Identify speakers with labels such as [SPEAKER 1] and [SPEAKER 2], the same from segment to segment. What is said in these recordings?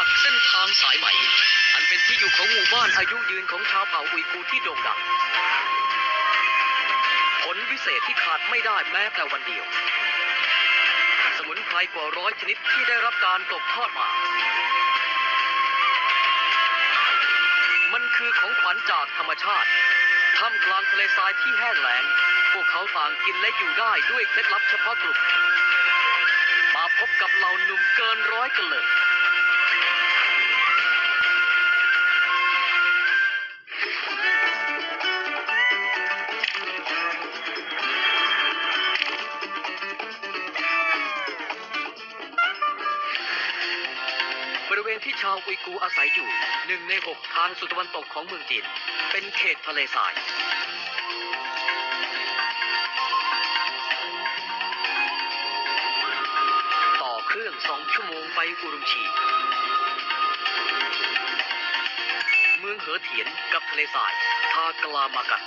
[SPEAKER 1] กับเส้นทางสายไหมอันเป็นที่อยู่ของหมู่บ้านอายุยืนของชาวเผ่าอุยกูร์ที่โด่งดังผลวิเศษที่ขาดไม่ได้แม้แต่วันเดียวสมุนไพรกว่า100 ชนิดที่ได้รับการตกทอดมามันคือของขวัญจากธรรมชาติท่ามกลางทะเลทรายที่แห้งแล้งพวกเขาต่างกินและอยู่ได้ด้วยเคล็ดลับเฉพาะกลุ่มมาพบกับเหล่าหนุ่มเกินร้อยกันเลยบริเวณที่ชาวอุยกูร์อาศัยอยู่1 ใน 6ทางสุดตะวันตกของเมืองจีนเป็นเขตทะเลทรายต่อเครื่อง2 ชั่วโมงไปอุรุมชีเมืองเหอเถียนกับทะเลทรายทากลามากัน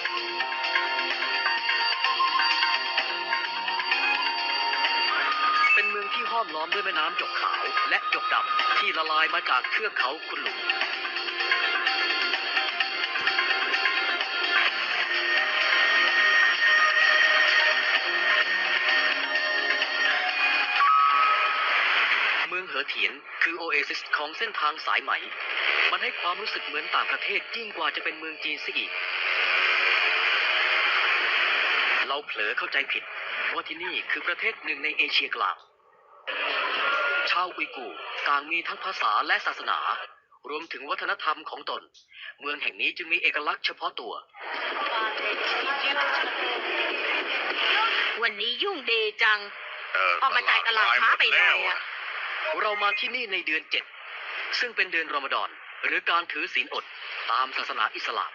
[SPEAKER 1] เป็นเมืองที่ห้อมล้อมด้วยแม่น้ำจกขาวและจกดำที่ละลายมาจากเทือกเขาคุนหลุงเมืองเหอเถียนคือโอเอซิสของเส้นทางสายไหมมันให้ความรู้สึกเหมือนต่างประเทศยิ่งกว่าจะเป็นเมืองจีนซะอีกเราเผลอเข้าใจผิดว่าที่นี่คือประเทศหนึ่งในเอเชียกลางชาวอุยกูร์ต่างมีทั้งภาษาและศาสนารวมถึงวัฒนธรรมของตนเมืองแห่งนี้จึงมีเอกลักษณ์เฉพาะตัว
[SPEAKER 2] วันนี้ยุ่งเดจังออกมาจ่ายตลาดช้าไปหน่อยอะ
[SPEAKER 1] เรามาที่นี่ในเดือน7ซึ่งเป็นเดือนรอมฎอนหรือการถือศีลอดตามศาสนาอิสลาม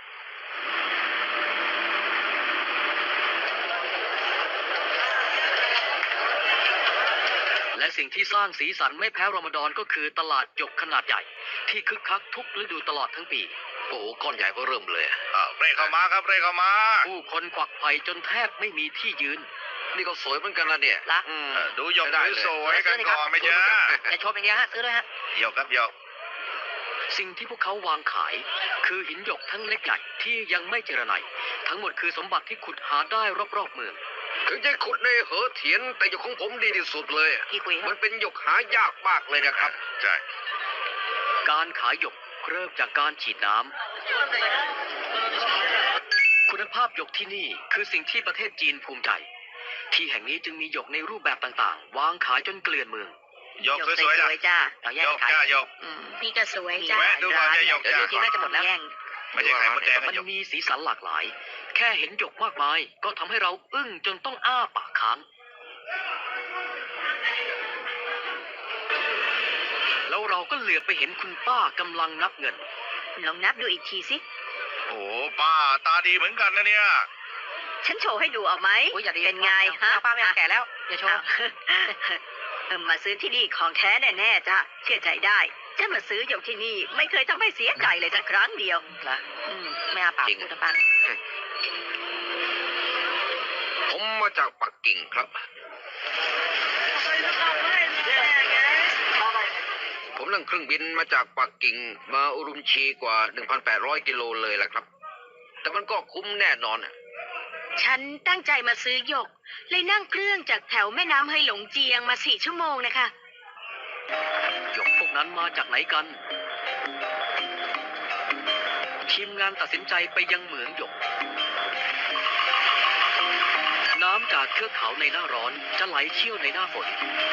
[SPEAKER 1] และสิ่งที่สร้างสีสันไม่แพ้รอมฎอนก็คือตลาดหยกขนาดใหญ่ที่คึกคักทุกฤดูตลอดทั้งปีโอ้ก้อนใหญ่ก็เริ่มเลย
[SPEAKER 3] เร่เข้ามาครับเร่เข้ามา
[SPEAKER 1] ผู้คนควักไผ่จนแทบไม่มีที่ยืน
[SPEAKER 3] นี่ก็สวยเหมือนกันนะเนี่ยดูหยกสวยกันก่อนไม่ใช่
[SPEAKER 2] จะชมอย่างเดียวฮะซื้อเลยฮะ
[SPEAKER 3] หยกครับหยก
[SPEAKER 1] สิ่งที่พวกเขาวางขายคือหินหยกทั้งเล็กใหญ่ที่ยังไม่เจรไนทั้งหมดคือสมบัติที่ขุดหาได้รอบๆเมือง
[SPEAKER 3] ถึงจะขุดในเหอเถียนแต่หยกของผมดีที่สุดเลยมันเป็นหยกหายากมากเลยนะครับใช่
[SPEAKER 1] การขายหยกเริ่มจากการฉีดน้ำคุณภาพหยกที่นี่คือสิ่งที่ประเทศจีนภูมิใจที่แห่งนี้จึงมีหยกในรูปแบบต่างๆวางขายจนเกลื่อนเมือง
[SPEAKER 3] หยกสวยๆ
[SPEAKER 2] จ้า
[SPEAKER 3] หยกจ้าหยก
[SPEAKER 2] นี่ก็สวยจ้า
[SPEAKER 3] แวะดูก่อนจะหยกจ้า
[SPEAKER 2] ที่น่าจะหมดแล้ว
[SPEAKER 3] ไม่ใช่ไข่มดแดง
[SPEAKER 1] มันมีสีสันหลากหลายแค่เห็นหยกมากมายก็ทำให้เราอึ้งจนต้องอ้าปากค้างแล้วเราก็เหลือบไปเห็นคุณป้ากำลังนับเงิน
[SPEAKER 2] ลองนับดูอีกทีสิ
[SPEAKER 3] โอ้ป้าตาดีเหมือนกันนะเนี่ย
[SPEAKER 2] ฉันโชว์ให้ดูเอาไหมเป็นไงฮะ
[SPEAKER 1] ป้าไม่แก่แล้วอย่าโชว์
[SPEAKER 2] มาซื้อที่นี่ของแท้แน่ๆจ้ะเชื่อใจได้ฉันมาซื้อหยกที่นี่ไม่เคยทำให้เสียใจเลยสักครั้งเดียว
[SPEAKER 1] นะไม่อาปากพูดปัง
[SPEAKER 3] ผมมาจากปักกิ่งครับผมนั่งเครื่องบินมาจากปักกิ่งมาอุรุมชีกว่า 1,800 กิโลเลยแหละครับแต่มันก็คุ้มแน่นอน
[SPEAKER 2] ฉันตั้งใจมาซื้อหยกเลยนั่งเครื่องจากแถวแม่น้ำเฮยหลงเจียงมา4 ชั่วโมงนะคะ
[SPEAKER 1] หยกพวกนั้นมาจากไหนกันทีมงานตัดสินใจไปยังเหมืองหยกน้ำจากเทือกเขาในหน้าร้อนจะไหลเชี่ยวในหน้าฝน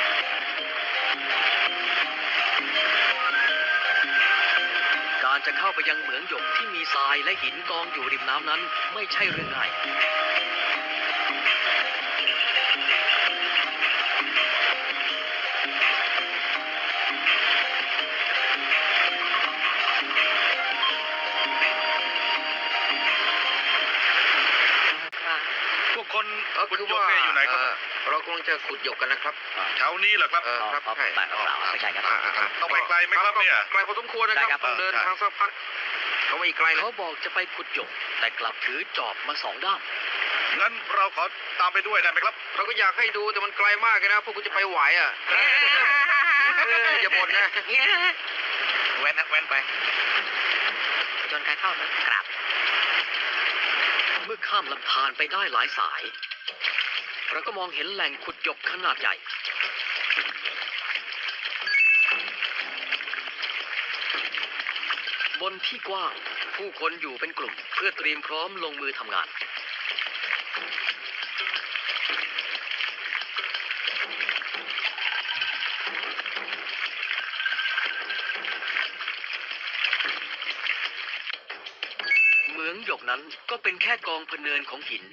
[SPEAKER 1] การจะเข้าไปยังเหมืองหยกที่มีทรายและหินกองอยู่ริมน้ำนั้นไม่ใช่เรื่องง่าย
[SPEAKER 3] คนขุดหยกอยู่ไหนครับเรากำลังจะขุดหยกกันนะครับแถวนี้เหรอครับ
[SPEAKER 1] ครับใช่ไม่ใช่ครับ
[SPEAKER 3] ต้องไปไกลไหมครับเนี่ยไกลพอสมควรนะครับต้องเดินทางสักพักเขาไม่ไกล
[SPEAKER 1] เขาบอกจะไปขุดหยกแต่กลับถือจอบมา2 ด้าม
[SPEAKER 3] งั้นเราขอตามไปด้วยได้ไหมครับเราก็อยากให้ดูแต่มันไกลมากเลยนะพวกคุณจะไปไหวอย่าบ่นนะ
[SPEAKER 4] แว้นนะแว้นไป
[SPEAKER 2] จนการเข้ากราบ
[SPEAKER 1] เมื่อข้ามลำธารไปได้หลายสาย เราก็มองเห็นแหล่งขุดหยกขนาดใหญ่ บนที่กว้างผู้คนอยู่เป็นกลุ่มเพื่อเตรียมพร้อมลงมือทำงาน เหมืองหยกนั้นก็เป็นแค่กองพะเนินของหิน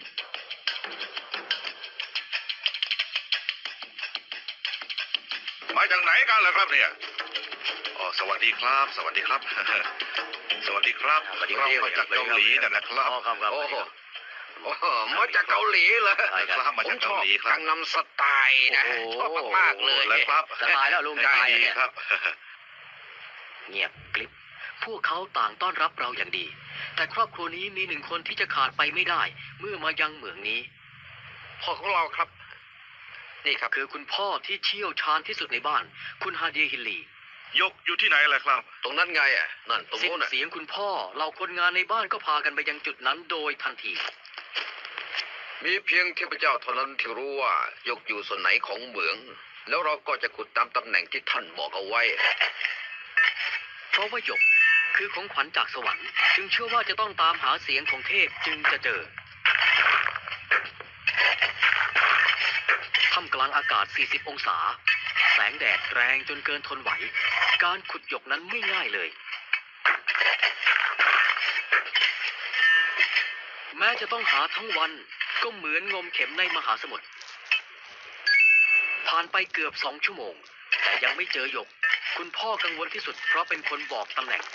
[SPEAKER 4] มาจากไหนกันล่ะครับเนี่ยอ๋อสวัสดีครับ สวัสดีครับ สวัสดีครับเรามาจากเกาหลีนะครับ
[SPEAKER 1] อ๋อครับครับ
[SPEAKER 3] โอ้โหโอ้โหมาจากเกาหลีเหรอ
[SPEAKER 1] ใช่ครับ
[SPEAKER 4] มา
[SPEAKER 3] ผม
[SPEAKER 4] จาก
[SPEAKER 3] ช
[SPEAKER 4] เกา
[SPEAKER 3] อบ
[SPEAKER 4] หลีครั
[SPEAKER 3] กั
[SPEAKER 4] บ
[SPEAKER 3] งนำสไตล์นะ
[SPEAKER 1] โอ้โห
[SPEAKER 3] ชอบมากๆเลย
[SPEAKER 4] แล้วครับ
[SPEAKER 1] จะตายแล้วลุงจะตายแล้วเนี่ย
[SPEAKER 4] ครับ
[SPEAKER 1] เงียบกริบพวกเขาต่างต้อนรับเราอย่างดี แต่ครอบครัวนี้มีหนึ่งคนที่จะขาดไปไม่ได้ เมื่อมายังเหมืองนี้
[SPEAKER 3] พ่อของเราครับ นี่ครับ
[SPEAKER 1] คือคุณพ่อที่เชี่ยวชาญที่สุดในบ้าน คุณฮาเดียฮิลลี
[SPEAKER 4] ยกอยู่ที่ไหนล่ะครับ
[SPEAKER 3] ตรงนั้นไงอ่ะนั่นตรง
[SPEAKER 1] สิ้น
[SPEAKER 3] โน้นน่ะ
[SPEAKER 1] เสียงคุณพ่อเหล่าคนงานในบ้านก็พากันไปยังจุดนั้นโดยทันที
[SPEAKER 3] มีเพียงเทพเจ้าเท่านั้นที่รู้ว่ายกอยู่ส่วนไหนของเหมือง แล้วเราก็จะขุดตามตำแหน่งที่ท่านบอกเอาไว้
[SPEAKER 1] เพราะว่าหยกคือของขวัญจากสวรรค์จึงเชื่อว่าจะต้องตามหาเสียงของเทพจึงจะเจอท่ามกลางอากาศ 40 องศา แสงแดดแรงจนเกินทนไหว การขุดหยกนั้นไม่ง่ายเลย แม้จะต้องหาทั้งวันก็เหมือนงมเข็มในมหาสมุทร ผ่านไปเกือบ2 ชั่วโมง แต่ยังไม่เจอหยก คุณพ่อกังวลที่สุดเพราะเป็นคนบอกตำแหน่ง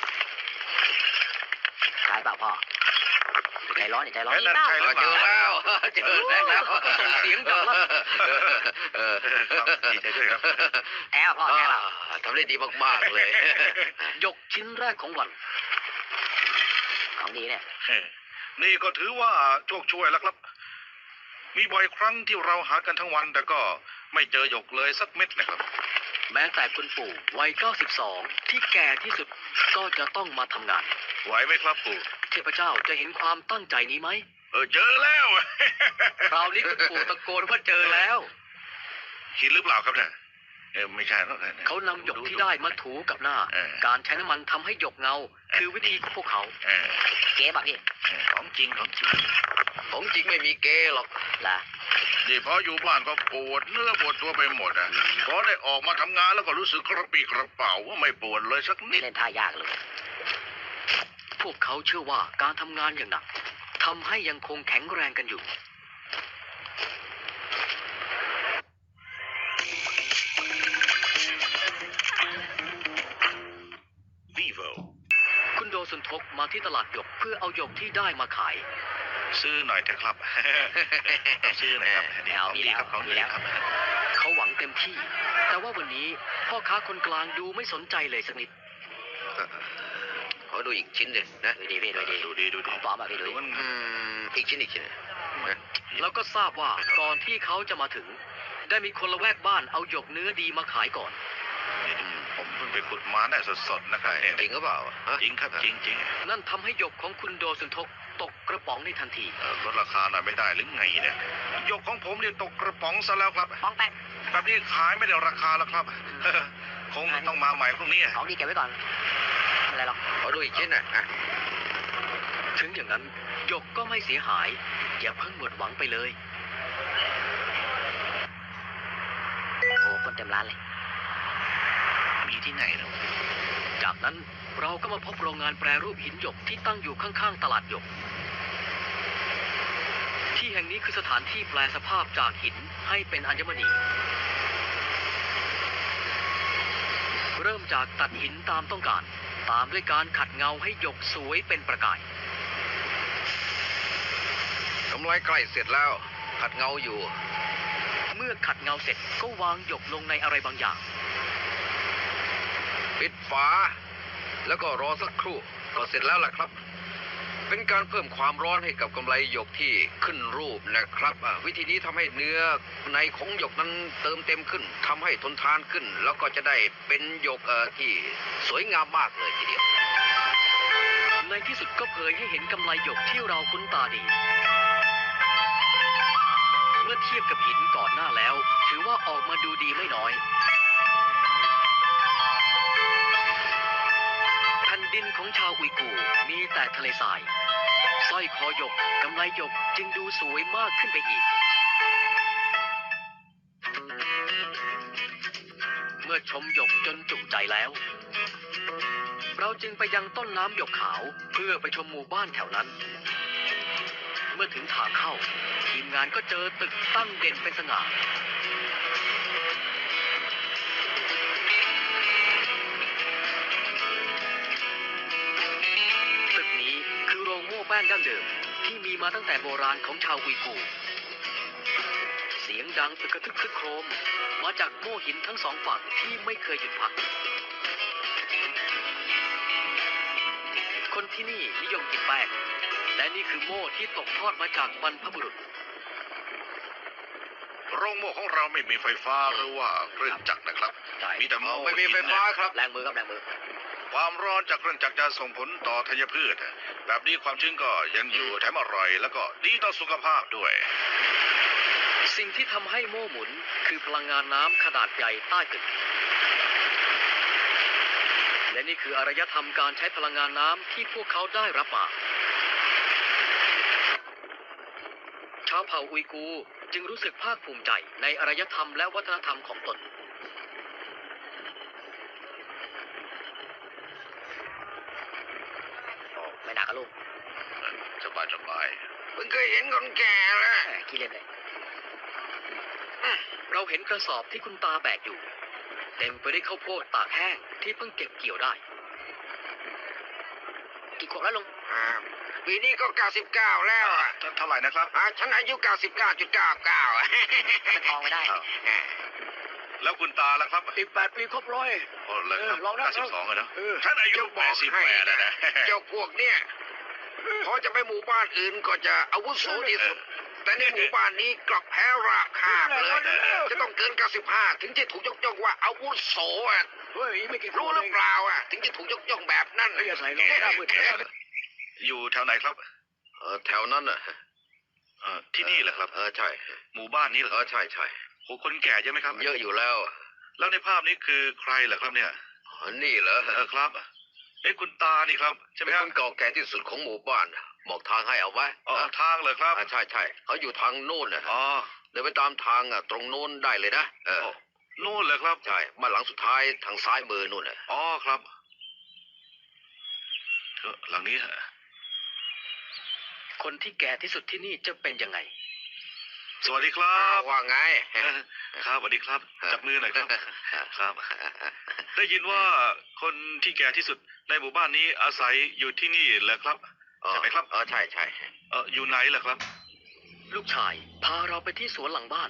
[SPEAKER 1] ใช่เปล่าพ่อใจร้อนใจร้อน
[SPEAKER 4] นั่นใช่หรือเป
[SPEAKER 3] เจ
[SPEAKER 4] ล่า
[SPEAKER 3] อแล้วเจอแล้ว
[SPEAKER 1] ส่งเสียงดังลั่น
[SPEAKER 4] ครับดีใจด้วยครับ
[SPEAKER 2] แท้พ่อแท้เปล่า
[SPEAKER 3] ทำได้ดีมากๆเลย
[SPEAKER 1] หยกชิ้นแรกของวัน
[SPEAKER 2] ของดีเนี่ย
[SPEAKER 4] นี่ก็ถือว่าโชคช่วยแล้วครับ มีบ่อยครั้งที่เราหากันทั้งวันแต่ก็ไม่เจอหยกเลยสักเม็ดนะครับ
[SPEAKER 1] แม้แต่คุณปู่วัย 92 ที่แก่ที่สุดก็จะต้องมาทำงาน
[SPEAKER 4] ไหวไหมครับปู่
[SPEAKER 1] เทพเจ้าจะเห็นความตั้งใจนี้ไหม
[SPEAKER 4] เจอแล้ว
[SPEAKER 1] คราวนี้คุณปู่ตะโกนว่าเจอแล้ว
[SPEAKER 4] คิดหรือเปล่าครับเนี่ยไม่ใช่หรอก
[SPEAKER 1] เขานำหยกที่ได้มาถูกับหน้า การใช้น้ำมันทำให้หยกเงา คือวิธีของพวกเขา
[SPEAKER 2] เก๋ป่ะพี่
[SPEAKER 4] ของจริงของจริง
[SPEAKER 3] ของจริงไม่มีเกหรอก
[SPEAKER 2] ล่ะ
[SPEAKER 4] นี่พออยู่บ้านก็ปวดเนื้อปวดตัวไปหมดอ่ะพอได้ออกมาทำงานแล้วก็รู้สึกกระปรี้กระเป๋าว่าไม่ปวดเลยสักนิด
[SPEAKER 2] เล่นท่ายากเลย
[SPEAKER 1] พวกเขาเชื่อว่าการทำงานอย่างหนักทำให้ยังคงแข็งแรงกันอยู่
[SPEAKER 4] Vivo
[SPEAKER 1] คุณโดสุนทกมาที่ตลาดหยกเพื่อเอาหยกที่ได้มาขาย
[SPEAKER 4] ซื้อหน่อยเถอะครับ ซื้อหน่อยครับนี่ของดีครับของดีครับ
[SPEAKER 1] เขาหวังเต็มที่ แต่ว่าวันนี้พ่อค้าคนกลางดูไม่สนใจเลยสักนิด
[SPEAKER 3] ขอดูอีกชิ้นหนึ่งนะ
[SPEAKER 2] ดูดีพี่ดูดี
[SPEAKER 4] ดูดีดู
[SPEAKER 2] ข
[SPEAKER 4] ดี
[SPEAKER 2] องปลอมป่ะพี่ดูดิ
[SPEAKER 4] มัน
[SPEAKER 3] อีกชิ้นนะ
[SPEAKER 1] แล้วก็ทราบว่าก่อนที่เขาจะมาถึง ได้มีคนละแวกบ้านเอาหยกเนื้อดีมาขายก่อน
[SPEAKER 4] ผมเพิ่งไปขุดมาได้สดๆนะครับเนี่ย
[SPEAKER 3] จริงหรือเปล่าฮะ
[SPEAKER 4] จริงครับจริงจริง
[SPEAKER 1] นั่นทำให้หยกของคุณโดสุนทกตกกระป๋องในทันที
[SPEAKER 4] ลดราคาหน่อยไม่ได้หรือไงเนี่ยหยกของผมเนี่ยตกกระป๋องซะแล้วครับ
[SPEAKER 2] ป้องแป๊ก
[SPEAKER 4] แบบนี้ขายไม่ได้ราคาแล้วครับ คงต้องมาใหม่พรุ่งนี้
[SPEAKER 2] ของดีเก็บไว้ก่อนไม่เป็นไรหรอก
[SPEAKER 3] ขอดูอีกชิ้นน่ะ
[SPEAKER 1] ถึงอย่างนั้นหยกก็ไม่เสียหาย อย่าเพิ่งหมดหวังไปเลย
[SPEAKER 2] โอ้คนเต็มร้านเลย
[SPEAKER 4] มีที่ไหนเนาะ
[SPEAKER 1] จากนั้นเราก็มาพบโรงงานแปรรูปหินหยกที่ตั้งอยู่ข้างๆตลาดหยก ที่แห่งนี้คือสถานที่แปลสภาพจากหินให้เป็นอัญมณี เริ่มจากตัดหินตามต้องการ ตามด้วยการขัดเงาให้หยกสวยเป็นประกาย
[SPEAKER 3] กำไรใกล้เสร็จแล้ว ขัดเงาอยู่
[SPEAKER 1] เมื่อขัดเงาเสร็จก็วางหยกลงในอะไรบางอย่าง
[SPEAKER 3] ปิดฝา แล้วก็รอสักครู่ก็เสร็จแล้วล่ะครับเป็นการเพิ่มความร้อนให้กับกำไลหยกที่ขึ้นรูปนะครับวิธีนี้ทำให้เนื้อในของหยกนั้นเติมเต็มขึ้นทำให้ทนทานขึ้น แล้วก็จะได้เป็นหยกที่สวยงามมากเลยทีเดียว
[SPEAKER 1] ในที่สุดก็เผยให้เห็นกำไลหยกที่เราคุ้นตาดี เมื่อเทียบกับหินก่อนหน้าแล้ว ถือว่าออกมาดูดีไม่น้อยแผ่นดินของชาวอุยกูร์มีแต่ทะเลทรายสร้อยคอหยกกำไลหยกจึงดูสวยมากขึ้นไปอีก เมื่อชมหยกจนจุใจแล้ว เราจึงไปยังต้นน้ำหยกขาวเพื่อไปชมหมู่บ้านแถวนั้น เมื่อถึงทางเข้า ทีมงานก็เจอตึกตั้งเด่นเป็นสง่า ตึกนี้คือโรงโม่แป้งดั้งเดิมที่มีมาตั้งแต่โบราณของชาวอุยกูร์เสียงดังอึกกระทึกครึกโครมมาจากโม่หินทั้งสองฝั่งที่ไม่เคยหยุดพัก คนที่นี่นิยมกินแป้งและนี่คือโม่ที่ตกทอดมาจากบรรพบุรุษ
[SPEAKER 4] โรงโม่ของเราไม่มีไฟฟ้าหรือว่าเครื่องจักรนะครับ
[SPEAKER 1] ใช่
[SPEAKER 4] มีแต่โม่
[SPEAKER 3] ไม่มีไฟฟ้าครับ
[SPEAKER 1] แรงมือครับแรงมือ
[SPEAKER 4] ความร้อนจากเครื่องจักรจะส่งผลต่อธัญพืช แบบนี้ความชื้นก็ยังอยู่แถมอร่อย แล้วก็ดีต่อสุขภาพด้วย
[SPEAKER 1] สิ่งที่ทำให้โม่หมุนคือพลังงานน้ำขนาดใหญ่ใต้ตึก และนี่คืออารยธรรมการใช้พลังงานน้ำที่พวกเขาได้รับมา ชาวเผ่าอุยกูร์จึงรู้สึกภาคภูมิใจในอารยธรรมและวัฒนธรรมของตน ไม่หนักอะลูก
[SPEAKER 4] สบายสบาย
[SPEAKER 3] เพิ่งเคยเห็นคนแก่แล้ว
[SPEAKER 1] ขี้เล่นเลยเราเห็นกระสอบที่คุณตาแบกอยู่ เต็มไปด้วยข้าวโพดตากแห้งที่เพิ่งเก็บเกี่ยวได้ กี่ขวบแล้วลุง
[SPEAKER 3] ปีนี้ก็ 99 แล้วอ่ะ
[SPEAKER 4] เท่าไหร่นะครับ
[SPEAKER 3] ฉันอายุ 99.99อ่ะ
[SPEAKER 1] เป็นทองไม่ได้
[SPEAKER 4] แล้วคุณตาล่ะครับ
[SPEAKER 1] อีก8 ปีครบร้อย
[SPEAKER 4] โอ้เลยครับ
[SPEAKER 1] ลองนะ
[SPEAKER 4] 92อะเนาะท่านอายุ
[SPEAKER 3] จะบอกให้
[SPEAKER 4] 88
[SPEAKER 3] นะ
[SPEAKER 4] นะ
[SPEAKER 3] เจ้าพวกเนี่ยพอจะไปหมู่บ้านอื่นก็จะอาวุโสที่สุด แต่ในหมู่บ้านนี้กลับแพ้ราคาบเลย จะต้องเกิน 95 ถึงจะถูกยกย่องว่าอาวุโสอ่ะ
[SPEAKER 1] เฮ้ยไม่กี่
[SPEAKER 3] รู้หรือเปล่าอ่ะ ถึงจะถูกยกย่องแบบนั้น
[SPEAKER 1] อย่าใส่ลงหน้ามืด
[SPEAKER 4] อยู่แถวไหนครับ
[SPEAKER 3] แถวนั้นอ่ะ
[SPEAKER 4] ที่นี่เหรอครับ
[SPEAKER 3] ใช่
[SPEAKER 4] หมู่บ้านนี้เหรอ
[SPEAKER 3] ใช่ใช่
[SPEAKER 4] โหคนแก่เยอะไหมครับ
[SPEAKER 3] เยอะอยู่แล้ว
[SPEAKER 4] แล้วในภาพนี้คือใครเหรอครับเนี่ย
[SPEAKER 3] นี่เหรอ
[SPEAKER 4] ครับ คุณตานี่ครับใช่ไหม
[SPEAKER 3] เป็น
[SPEAKER 4] ค
[SPEAKER 3] ครับ นเก่าแก่ที่สุดของหมู่บ้านบอกทางให้เอาไว้
[SPEAKER 4] อ๋อทางเหรอครับ
[SPEAKER 3] ใช่ใช่เขาอยู่ทางโน่นนะ
[SPEAKER 4] อ๋อ
[SPEAKER 3] เดินไปตามทางตรงโน้นได้เลยนะ
[SPEAKER 4] นู่นเหรอครับ
[SPEAKER 3] ใช่บ้านหลังสุดท้ายทางซ้ายมือนู่นน่ะ
[SPEAKER 4] อ๋อครับหลังนี้ฮะ
[SPEAKER 1] คนที่แก่ที่สุดที่นี่จะเป็นยังไง
[SPEAKER 4] สวัสดีครั
[SPEAKER 3] อ้าว
[SPEAKER 4] บ
[SPEAKER 3] ว่าไง
[SPEAKER 4] ครับสวัสดีครับ จับมือหน่อยครับ ครับ ได้ยินว่าคนที่แก่ที่สุดในหมู่บ้านนี้อาศัยอยู่ที่นี่เหรอครับ ใช่ไหมครับ
[SPEAKER 3] ใช่ใช่
[SPEAKER 4] อยู่ไหนเหรอครับ
[SPEAKER 1] ลูกชายพาเราไปที่สวนหลังบ้าน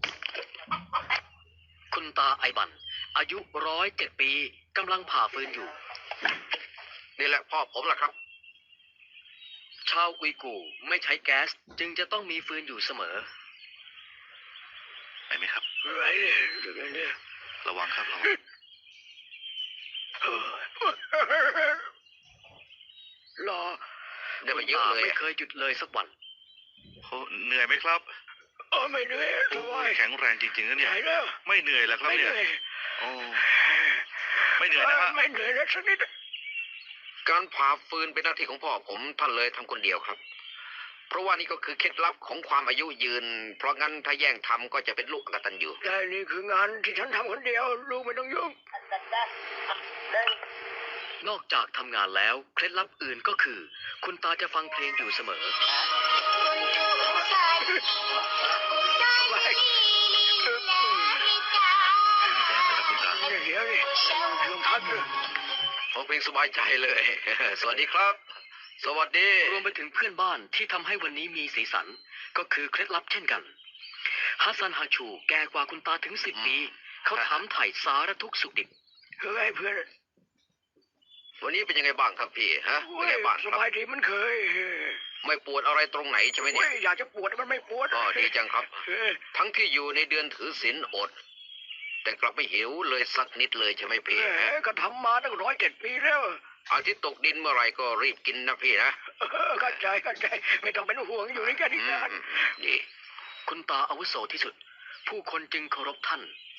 [SPEAKER 1] คุณตาไอบัน อายุ107 ปีกำลังผ่าฟืนอยู่
[SPEAKER 3] นี่แหละพ่อผมล่ะครับ
[SPEAKER 1] ชาวอุยกูร์ไม่ใช้แก๊สจึงจะต้องมีฟืนอยู่เสมอ
[SPEAKER 4] ไปไหมครับ ระวังครับระวัง
[SPEAKER 1] รอ
[SPEAKER 3] เดี๋ยว
[SPEAKER 1] คุ
[SPEAKER 3] ไป
[SPEAKER 1] ณ
[SPEAKER 3] เยอะ
[SPEAKER 1] ตา
[SPEAKER 3] เลย
[SPEAKER 1] ไม่เคยหยุดเลยสักวัน
[SPEAKER 4] โอ้เหนื่อยไหมครับ
[SPEAKER 1] ไม่เหนื่อย
[SPEAKER 4] โอ้ยแข็งแรงจริงๆนะเนี่ย ไม่เหนื่อยเหรอครับเนี่ยโอ้ไม่เหนื่อยนะฮะ
[SPEAKER 1] ไม่เหนื่อยแล้วสักนิด
[SPEAKER 3] การผ่าฟืนเป็นหน้าที่ของพ่อผมท่านเลยทำคนเดียวครับ เพราะว่านี่ก็คือเคล็ดลับของความอายุยืน เพราะงั้นถ้าแย่งทำก็จะเป็นลูกอกตัญญู
[SPEAKER 1] ได้นี่คืองานที่ฉันทำคนเดียวลูกไม่ต้องยุ่ง นอกจากทำงานแล้วเคล็ดลับอื่นก็คือ คุณตาจะฟังเพลงอยู่เสมอ เดี๋ยวนี่ลงพักเลย
[SPEAKER 3] ฟังเพลงสบายใจเลย สวัสดีครับ สวัสดี
[SPEAKER 1] รวมไปถึงเพื่อนบ้านที่ทำให้วันนี้มีสีสัน ก็คือเคล็ดลับเช่นกันฮัสซันฮาชูแก่กว่าคุณตาถึง10 ปี เขาถามไถ่สารทุกข์สุขดิบเฮ้ยเพื่อน
[SPEAKER 3] วันนี้เป็นยังไงบ้างครับพี่ฮะเป็นไงบ้างค
[SPEAKER 5] ส
[SPEAKER 3] รับบ
[SPEAKER 5] ายดีมันเคย
[SPEAKER 3] ไม่ปวดอะไรตรงไหนใช่ไหม
[SPEAKER 5] เว้
[SPEAKER 3] เนี่ย
[SPEAKER 5] ยอยากจะปวดมันไม่ปวด
[SPEAKER 3] ก็ดีจังครับ
[SPEAKER 5] เออ
[SPEAKER 3] ทั้งที่อยู่ในเดือนถือศีลอด แต่กลับไม่หิวเลยสักนิดเลยใช่ไหมพี่
[SPEAKER 5] แห
[SPEAKER 3] ฮะ
[SPEAKER 5] มก็ทำมาตั้ง107 ปีแล้ว
[SPEAKER 3] อาทิตย์ตกดินเมื่อไหรก็รีบกินนะพี่นะ
[SPEAKER 5] เข้าใจไม่ต้องเป็นห่วงอยู่ในแค่นี้
[SPEAKER 3] อื
[SPEAKER 5] นาน
[SPEAKER 3] มดี
[SPEAKER 1] คุณตาอาวุโสที่สุด ผู้คนจึงเคารพท่าน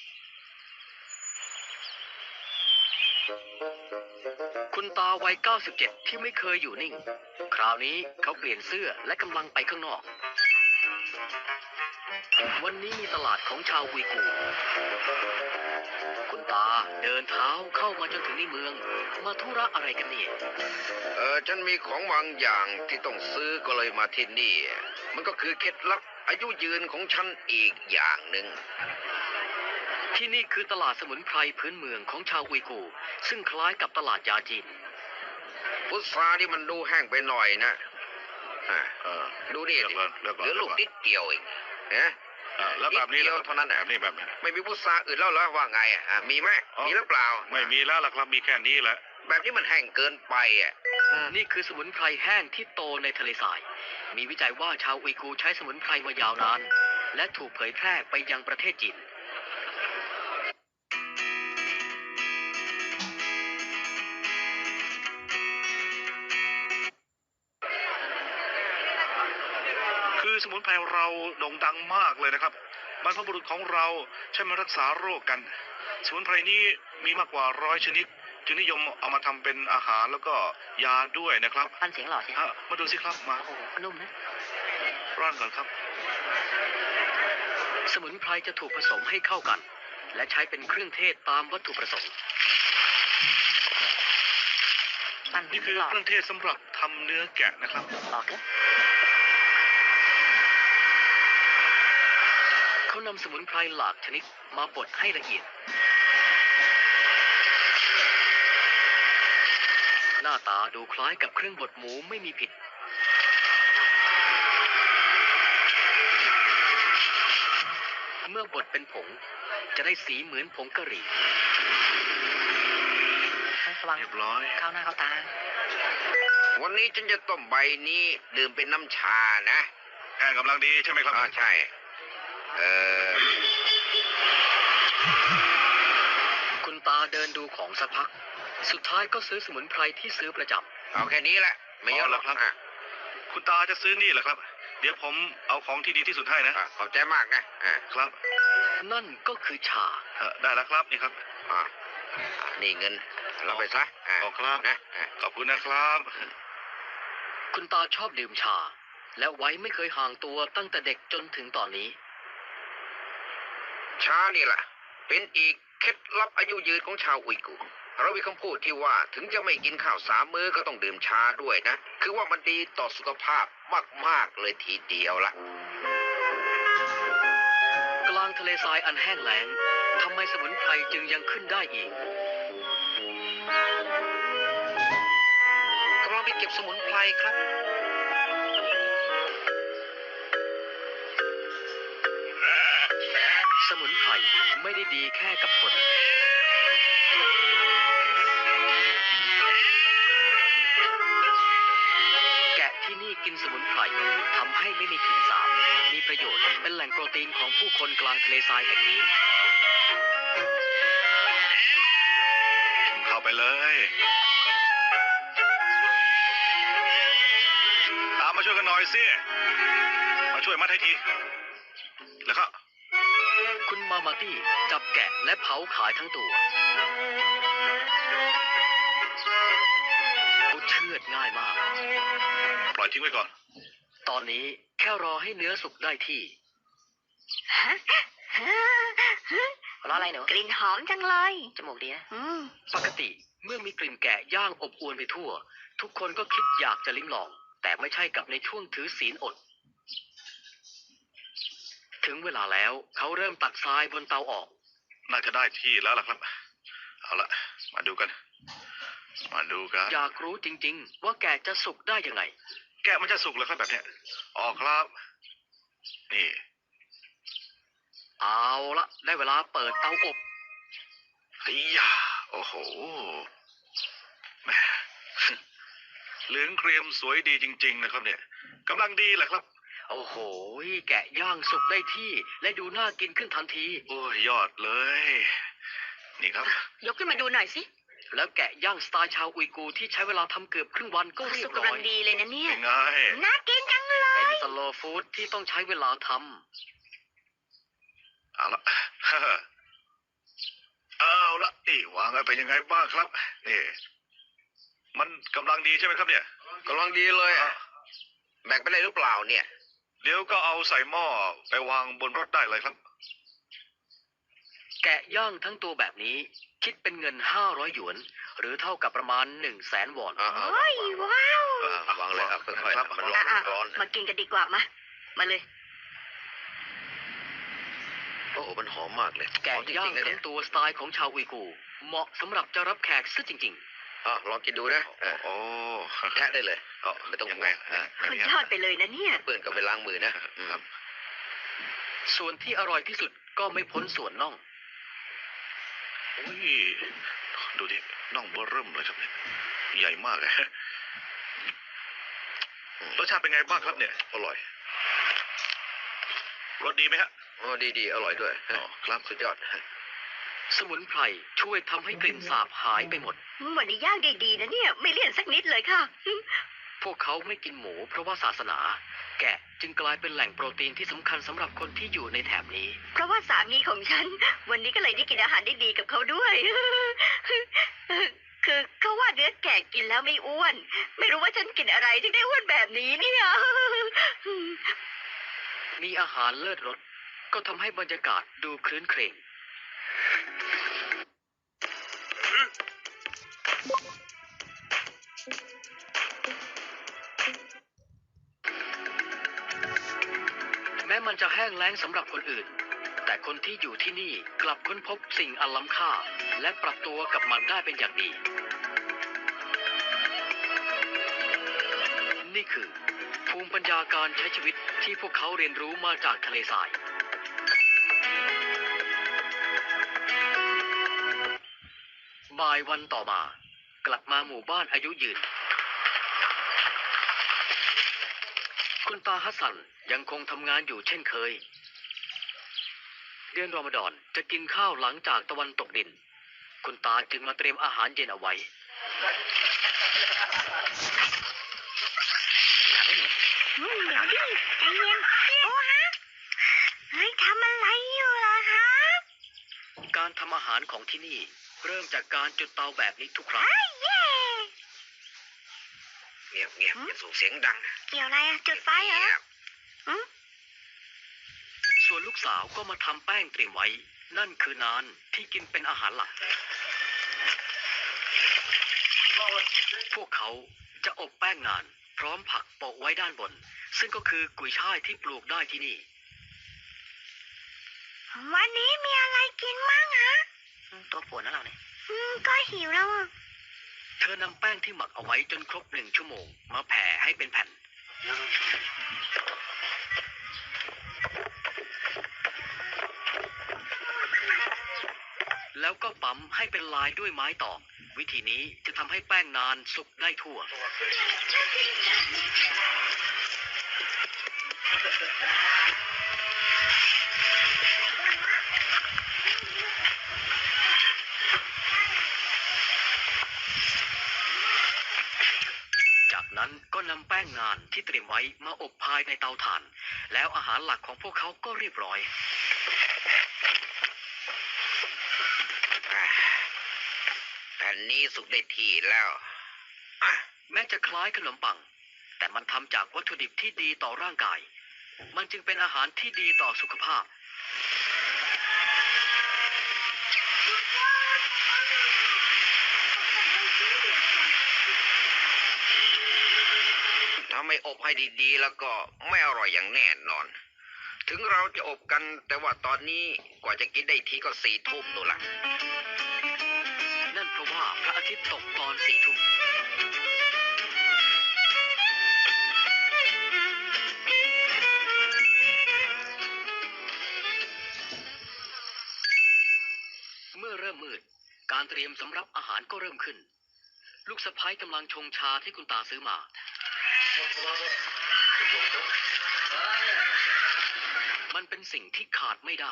[SPEAKER 1] คุณตาวัย 97 ที่ไม่เคยอยู่นิ่ง คราวนี้เขาเปลี่ยนเสื้อและกำลังไปข้างนอก วันนี้มีตลาดของชาวอุยกูร์คุณตาเดินเท้าเข้ามาจนถึงในเมือง มาธุระอะไรกันเนี่ย
[SPEAKER 3] ฉันมีของบางอย่างที่ต้องซื้อก็เลยมาที่นี่ มันก็คือเคล็ดลับอายุยืนของฉันอีกอย่างหนึ่ง
[SPEAKER 1] ที่นี่คือตลาดสมุนไพรพื้นเมืองของชาวอุยกูร์ซึ่งคล้ายกับตลาดยาจีน
[SPEAKER 3] พุทราที่มันดูแห้งไปหน่อยนะอ่ะ ดูนี่สิ
[SPEAKER 4] เลือก
[SPEAKER 3] เห
[SPEAKER 4] ก่อน
[SPEAKER 3] ลือลูกนิดเดียวเองนะ
[SPEAKER 4] แล้วแบบนี้
[SPEAKER 3] นิดเดียวเท่านั้นน่ะ
[SPEAKER 4] แบบนี้แบบนี้
[SPEAKER 3] ไม่มีพุทราอื่นแล้วเหรอว่าไงอ่ะมีไหม
[SPEAKER 4] อ๋อ
[SPEAKER 3] มีหรือเปล่า
[SPEAKER 4] ไม่มีแล้วล่ะครับมีแค่นี้แหละ
[SPEAKER 3] แบบนี้มันแห้งเกินไปอ่ะ
[SPEAKER 1] นี่คือสมุนไพรแห้งที่โตในทะเลทราย มีวิจัยว่าชาวอุยกูร์ใช้สมุนไพรมายาวนาน และถูกเผยแพร่ไปยังประเทศจีน
[SPEAKER 6] คือสมุนไพรเราโด่งดังมากเลยนะครับบรรพบุรุษของเราใช้มารักษาโรคกัน สมุนไพรนี้มีมากกว่า100 ชนิด จึงนิยมเอามาทำเป็นอาหารแล้วก็ยาด้วยนะครับ
[SPEAKER 2] ฟันเสียงหล่อใช่ไหม
[SPEAKER 6] มาดูสิครับมา
[SPEAKER 2] โอ้โหนุ่มนะ
[SPEAKER 6] ร่อนก่อนครับ
[SPEAKER 1] สมุนไพรจะถูกผสมให้เข้ากัน และใช้เป็นเครื่องเทศตามวัตถุประสงค์
[SPEAKER 2] ฟัน
[SPEAKER 6] นี่คือ
[SPEAKER 2] หล่อ
[SPEAKER 6] เครื่องเทศสำหรับทำเนื้อแกะนะครับ
[SPEAKER 2] หล่อเกิน
[SPEAKER 1] เขานำสมุนไพรหลากชนิดมาบดให้ละเอียด หน้าตาดูคล้ายกับเครื่องบดหมูไม่มีผิด เมื่อบดเป็นผง จะได้สีเหมือนผงกะหรี่
[SPEAKER 2] ระวัง
[SPEAKER 6] เรียบร้อย
[SPEAKER 2] เข้าหน้าเข้าตา
[SPEAKER 3] วันนี้ฉันจะต้มใบนี้ดื่มเป็นน้ำชานะ
[SPEAKER 6] แห้งกำลังดีใช่ไหมครับ
[SPEAKER 3] ใช่
[SPEAKER 1] คุณตาเดินดูของสักพัก สุดท้ายก็ซื้อสมุนไพรที่ซื้อประจ
[SPEAKER 3] เอาแค่นี้แหละ ไม่เยอะหรอก
[SPEAKER 6] อ๋อเหรอครับ คุณตาจะซื้อนี่เหรอครับ เดี๋ยวผมเอาของที่ดีที่สุดให้นะ
[SPEAKER 3] ขอบใจมากนะ
[SPEAKER 6] ครับ
[SPEAKER 1] ำ นั่นก็คือชา
[SPEAKER 6] ได้แล้วครับนี่ครับ
[SPEAKER 3] นี่เงินเราไปซะ
[SPEAKER 6] ขอบครับ
[SPEAKER 3] นะ
[SPEAKER 6] ขอบคุณนะครับ
[SPEAKER 1] คุณตาชอบดื่มชา และไว้ไม่เคยห่างตัวตั้งแต่เด็กจนถึงตอนนี้
[SPEAKER 3] ชานี่แหละเป็นอีกเคล็ดลับอายุยืนของชาวอุยกูร์เรามีคำพูดที่ว่าถึงจะไม่กินข้าว3 มื้อก็ต้องดื่มชาด้วยนะ คือว่ามันดีต่อสุขภาพมากๆเลยทีเดียวละ
[SPEAKER 1] กลางทะเลทรายอันแห้งแล้งทำไมสมุนไพรจึงยังขึ้นได้อีก
[SPEAKER 3] กำลังไปเก็บสมุนไพรครับ
[SPEAKER 1] สมุนไพรไม่ได้ดีแค่กับคน แกะที่นี่กินสมุนไพรทำให้ไม่มีกลิ่นสาบ มีประโยชน์เป็นแหล่งโปรตีนของผู้คนกลางทะเลทรายแห่งนี้
[SPEAKER 6] เข้าไปเลย ตามมาช่วยกันหน่อยสิ มาช่วยมัดให้ที แล้วก็
[SPEAKER 1] คุณมามาตี้จับแกะและเผาขายทั้งตัวเขาเชือดง่ายมาก
[SPEAKER 6] ปล่อยทิ้งไว้ก่อน
[SPEAKER 1] ตอนนี้แค่รอให้เนื้อสุกได้ที่
[SPEAKER 2] รออะไรหนู กลิ่นหอมจังเลย จมูกดีนะ
[SPEAKER 1] ปกติเมื่อมีกลิ่นแกะย่างอบอวนไปทั่ว ทุกคนก็คิดอยากจะลิ้มลอง แต่ไม่ใช่กับในช่วงถือศีลอด ถึงเวลาแล้วเขาเริ่มตักทรายบนเตาออก
[SPEAKER 6] น่าจะได้ที่แล้วล่ะครับ เอาละมาดูกัน มาดูกัน
[SPEAKER 1] อยากรู้จริงๆ ว่าแกะจะสุกได้ยังไง
[SPEAKER 6] แกะมันจะสุกเหรอครับแบบเนี้ยอ๋อครับ นี่
[SPEAKER 1] เอาละได้เวลาเปิดเตาอบ
[SPEAKER 6] เฮียโอ้โหแหมลืองเกรียมสวยดีจริง ๆ นะครับเนี่ยกำลังดีแหละครับ
[SPEAKER 1] โอ้โหแกะย่างสุกได้ที่และดูน่ากินขึ้นทันที
[SPEAKER 6] โอ้ยยอดเลย นี่ครับ
[SPEAKER 2] ยกขึ้นมาดูหน่อยสิ
[SPEAKER 1] แล้วแกะย่างสไตล์ชาวอุยกูร์ที่ใช้เวลาทำเกือบครึ่งวันก็เรีย
[SPEAKER 2] สุ
[SPEAKER 1] บ
[SPEAKER 2] ก
[SPEAKER 1] ร้
[SPEAKER 2] กำ
[SPEAKER 1] อ
[SPEAKER 2] ลัง
[SPEAKER 1] ย
[SPEAKER 2] ดีเลยนะเนี่ย
[SPEAKER 6] เป็นไง
[SPEAKER 2] น่ากินจังเลย
[SPEAKER 1] เป็นสโลว์ฟู้ดที่ต้องใช้เวลาท
[SPEAKER 6] เอาละ เอาละนี่วางไว้เป็นยังไงบ้างครับนี่มันกำลังดีใช่ไหมครับเนี่ย
[SPEAKER 3] กำลังดีเลยอะแบ่งไปได้หรือเปล่าเนี่ย
[SPEAKER 6] เดี๋ยวก็เอาใส่หม้อไปวางบนรถได้เลยครับ
[SPEAKER 1] ำแกะย่างทั้งตัวแบบนี้ คิดเป็นเงิน500หยวน หรือเท่ากับประมาณ100,000 วอน
[SPEAKER 2] โอ้ยว้าว
[SPEAKER 3] วางเลยครับค่อยๆ
[SPEAKER 6] ครับ
[SPEAKER 3] มันร้อน
[SPEAKER 2] อ่ะ
[SPEAKER 3] ร้อน
[SPEAKER 2] มากินกันดีกว่ามาเลย
[SPEAKER 3] โอ้โหมันหอมมากเลย
[SPEAKER 1] แกะ
[SPEAKER 3] หอมจ
[SPEAKER 1] ย่าง
[SPEAKER 3] ริงๆนะเนี่
[SPEAKER 1] ทั้
[SPEAKER 3] ย
[SPEAKER 1] งตัวสไตล์ของชาวอุยกูร์เหมาะสำหรับจะรับแขกซะจริง
[SPEAKER 3] ลองกินดูนะ
[SPEAKER 6] โอ้
[SPEAKER 3] แทะได้เลยไม่ต้อง
[SPEAKER 6] ยัง
[SPEAKER 3] ห่
[SPEAKER 6] ไง
[SPEAKER 3] วง
[SPEAKER 2] มันยอดไปเลยนะเนี่ย
[SPEAKER 3] เปื้อนก็ไปล้างมือนะ
[SPEAKER 6] ครับ
[SPEAKER 1] ๆ ส่วนที่อร่อยที่สุดก็ไม่พ้นส่วนน่อง
[SPEAKER 6] โอ้ยดูดิน่องเบอร์เริ่มเลยครับเนี่ยใหญ่มากเลยรสชาติเป็นไงบ้างครับเนี่ย
[SPEAKER 3] อร่อย
[SPEAKER 6] รสดีไหมฮะ
[SPEAKER 3] ดีอร่อยด้วย
[SPEAKER 6] อ๋อครับ
[SPEAKER 3] สุดยอด
[SPEAKER 1] สมุนไพรช่วยทำให้กลิ่นสาบหายไปหมด
[SPEAKER 2] วันนี้ย่างได้ดีนะเนี่ย ไม่เลี่ยนสักนิดเลยค่ะ
[SPEAKER 1] พวกเขาไม่กินหมูเพราะว่าศาสนา แกะจึงกลายเป็นแหล่งโปรตีนที่สำคัญสำหรับคนที่อยู่ในแถบนี้
[SPEAKER 2] เพราะว่าสามีของฉัน วันนี้ก็เลยได้กินอาหารได้ดีกับเขาด้วย คือเขาว่าเนื้อแกะกินแล้วไม่อ้วน ไม่รู้ว่าฉันกินอะไรที่ได้อ้วนแบบนี้เนี่ย
[SPEAKER 1] มีอาหารเลิศรสก็ทำให้บรรยากาศดูครื้นเครงแม้มันจะแห้งแล้งสำหรับคนอื่น แต่คนที่อยู่ที่นี่กลับค้นพบสิ่งอันล้ำค่า และปรับตัวกับมันได้เป็นอย่างดี นี่คือภูมิปัญญาการใช้ชีวิตที่พวกเขาเรียนรู้มาจากทะเลทราย บ่ายวันต่อมากลับมาหมู่บ้านอายุยืน คุณตาฮัสซันยังคงทำงานอยู่เช่นเคย เดือนรอมฎอนจะกินข้าวหลังจากตะวันตกดิน คุณตาจึงมาเตรียมอาหารเย็นเอาไว้
[SPEAKER 2] เดี๋ยวดิใจเย็นโอ้ฮะเฮ้ยทำอะไรอยู่ล่ะฮะ
[SPEAKER 1] การทำอาหารของที่นี่เริ่มจากการจุดเตาแบบนี้ทุกครั้ง
[SPEAKER 2] เย่
[SPEAKER 3] เงียบอย่าส่งเสียงดัง
[SPEAKER 2] เกี่ยวอะไรอะจุดไฟเหรอ
[SPEAKER 3] งียบ
[SPEAKER 1] ส่วนลูกสาวก็มาทำแป้งเตรียมไว้ นั่นคือนานที่กินเป็นอาหารหลัก พวกเขาจะอบแป้งนานพร้อมผักโปะไว้ด้านบน ซึ่งก็คือกุยช่ายที่ปลูกได้ที่นี่
[SPEAKER 2] วันนี้มีอะไรกินมั่งฮะ
[SPEAKER 1] ตัวปวดนะเราเนี่ย
[SPEAKER 2] ก็หิวแล้วอะ
[SPEAKER 1] เธอนำแป้งที่หมักเอาไว้จนครบ1 ชั่วโมง มาแผ่ให้เป็นแผ่น แล้วก็ปั๊มให้เป็นลายด้วยไม้ตอก วิธีนี้จะทำให้แป้งนานสุกได้ทั่ว จากนั้นก็นำแป้งนานที่เตรียมไว้มาอบภายในเตาถ่าน แล้วอาหารหลักของพวกเขาก็เรียบร้อย
[SPEAKER 3] แผ่นนี้สุกได้ที่แล้วอ่ะ
[SPEAKER 1] แม้จะคล้ายขนมปัง แต่มันทำจากวัตถุดิบที่ดีต่อร่างกาย มันจึงเป็นอาหารที่ดีต่อสุขภาพ
[SPEAKER 3] ถ้าไม่อบให้ดีๆ แล้วก็ไม่อร่อยอย่างแน่นอน ถึงเราจะอบกันแต่ว่าตอนนี้กว่าจะกินได้ทีก็4 ทุ่มนู่นละ
[SPEAKER 1] นั่นเพราะว่าพระอาทิตย์ตกตอน4 ทุ่ม เมื่อเริ่มมืด การเตรียมสำรับอาหารก็เริ่มขึ้นลูกสะพ้ายกำลังชงชาที่คุณตาซื้อมา มันเป็นสิ่งที่ขาดไม่ได้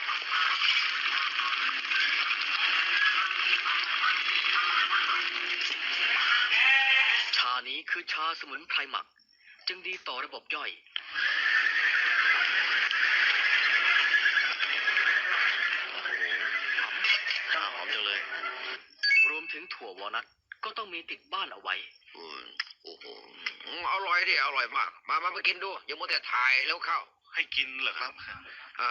[SPEAKER 1] ชานี้คือชาสมุนไพรหมัก จึงดีต่อระบบย่อย หอมจังเลย รวมถึงถั่ววอลนัทก็ต้องมีติดบ้านเอาไว้
[SPEAKER 3] โอ้โหอร่อยดิอร่อยมาก มากินดูอย่ามัวแต่ถ่ายแล้วเข้า
[SPEAKER 6] ให้กินเหรอครับ
[SPEAKER 3] อ่า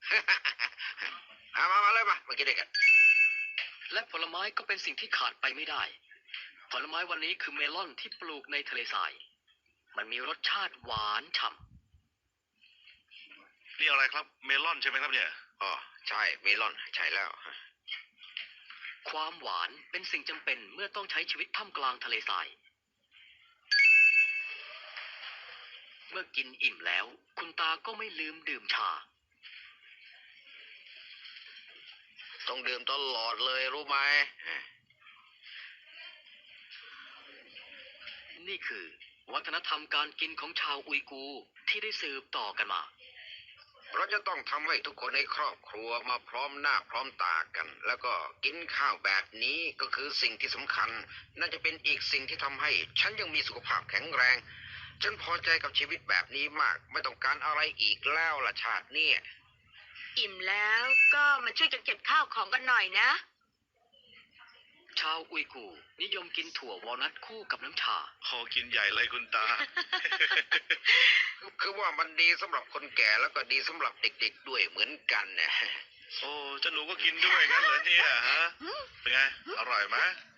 [SPEAKER 3] มาเลยมากินด้วยกัน
[SPEAKER 1] และผลไม้ก็เป็นสิ่งที่ขาดไปไม่ได้ ผลไม้วันนี้คือเมลอนที่ปลูกในทะเลทราย มันมีรสชาติหวานฉ่
[SPEAKER 6] นี่อะไรครับ เมลอนใช่ไหมครับเนี่ย
[SPEAKER 3] อ๋อใช่เมลอนใช่แล้ว
[SPEAKER 1] ำ ความหวานเป็นสิ่งจำเป็นเมื่อต้องใช้ชีวิตท่ามกลางทะเลทราย เมื่อกินอิ่มแล้ว คุณตาก็ไม่ลืมดื่มชา
[SPEAKER 3] ต้องดื่มตลอดเลยรู้ไหม
[SPEAKER 1] นี่คือวัฒนธรรมการกินของชาวอุยกูร์ที่ได้สืบต่อกันมา
[SPEAKER 3] เราจะต้องทำให้ทุกคนในครอบครัวมาพร้อมหน้าพร้อมตากัน แล้วก็กินข้าวแบบนี้ก็คือสิ่งที่สำคัญน่าจะเป็นอีกสิ่งที่ทำให้ฉันยังมีสุขภาพแข็งแรงฉันพอใจกับชีวิตแบบนี้มากไม่ต้องการอะไรอีกแล้วล่ะชาติเนี่ย
[SPEAKER 2] อิ่มแล้วก็มาช่วยกันเก็บข้าวของกันหน่อยนะ
[SPEAKER 1] ชาวอุยกูร์นิยมกินถั่ววอลนัทคู่กับน้ำชา
[SPEAKER 6] ขอกินใหญ่เลยคุณตา
[SPEAKER 3] คือว่ามันดีสำหรับคนแก่แล้วก็ดีสำหรับเด็กๆด้วยเหมือนกันนะ
[SPEAKER 6] โอ้เจ้าหนูก็กินด้วยงั้นเหรอเนี่ยฮะ เป็นไง อร่อยไหม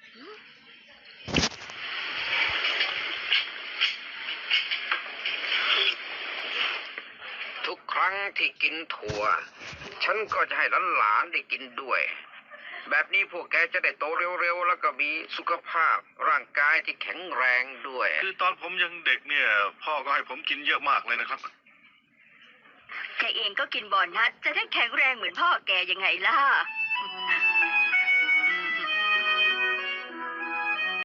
[SPEAKER 3] ทุกครั้งที่กินถั่วฉันก็จะให้หลานๆได้กินด้วย แบบนี้พวกแกจะได้โตเร็วๆแล้วก็มีสุขภาพร่างกายที่แข็งแรงด้วย
[SPEAKER 6] คือตอนผมยังเด็กเนี่ย พ่อก็ให้ผมกินเยอะมากเลยนะครับ
[SPEAKER 2] แกเองก็กินบอนนัทจะได้แข็งแรงเหมือนพ่อแกยังไงล่ะ